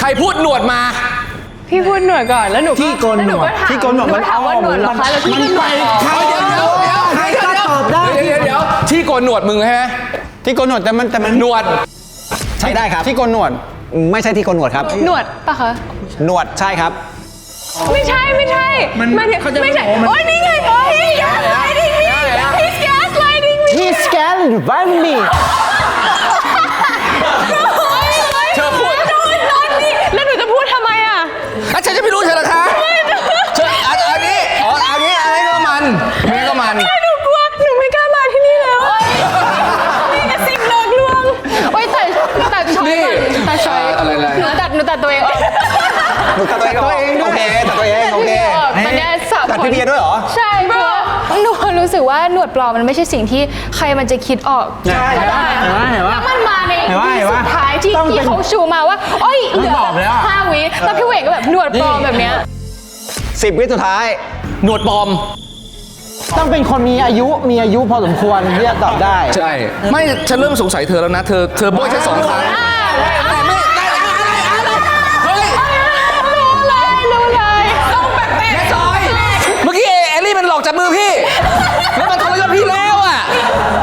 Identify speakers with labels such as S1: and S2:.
S1: พูดหนวดมา
S2: พี่พูดหนวดก่อนแล้วหนู
S3: ที่โกนหนวดที่โกนหนวดมัน
S2: ถามว่าหนวดเหรอคะแล้วพี่ก็หนวดต่อ
S1: เดี๋ยว
S3: ใครก็ตอบได้
S1: เดี๋ยวที่โกนหนวดมึงใช่ไหม
S3: ที่โกนหนวดแต่มัน
S1: หนวด
S3: ใช้ได้ครับที่โกนหนวดไม่ใช่ที่โกนหนวดครับ
S2: หนวดปะคะ
S3: หนวดใช่ครับ
S2: ไม่ใช่ไม่ใช่ไม่ใช่โอ้ยนี่ไงโอ้ย gaslighting me he's gaslighting me
S3: He's scaring me
S1: เธอพูด
S2: แล้วหนูจะพูดทำไมอ่ะ
S1: แล้วฉันจะไม่รู้เธอหรอคะเธออันนี้อันนี้ก็มัน
S2: หนูกลัวหนูไม่กล้ามาที่นี่แล้วมีแต่สิ่งหลอกลวงโอ้ยแต่ช้อยก่อนแต่ช้อยหนูตัดตัวเองออก
S3: หนูตัดตัวเองด้วยโอเคตัดตัวเองโอเค
S2: มันแค่สับ
S3: ตัดพี่เบียร์ด้วยเหรอ
S2: ใช่เพราะหนูรู้สึกว่าหนวดปลอมมันไม่ใช่สิ่งที่ใครมันจะคิดออก
S3: ใช่เห็นว่า
S2: แล้วมันมาในที่สุดท้ายที่เขาชูมาว่าโอ้ยเหลือ5 วิแล้วพี่เวกก็แบบหนวดปลอมแบบเนี้ย
S3: 10 วิสุดท้าย
S1: หนวดปลอม
S3: ต้องเป็นคนมีอายุพอสมควรที่จะตอบได้
S1: ใช่ไม่ฉันเริ่มสงสัยเธอแล้วนะเธอโบยฉัน2 ครั้ง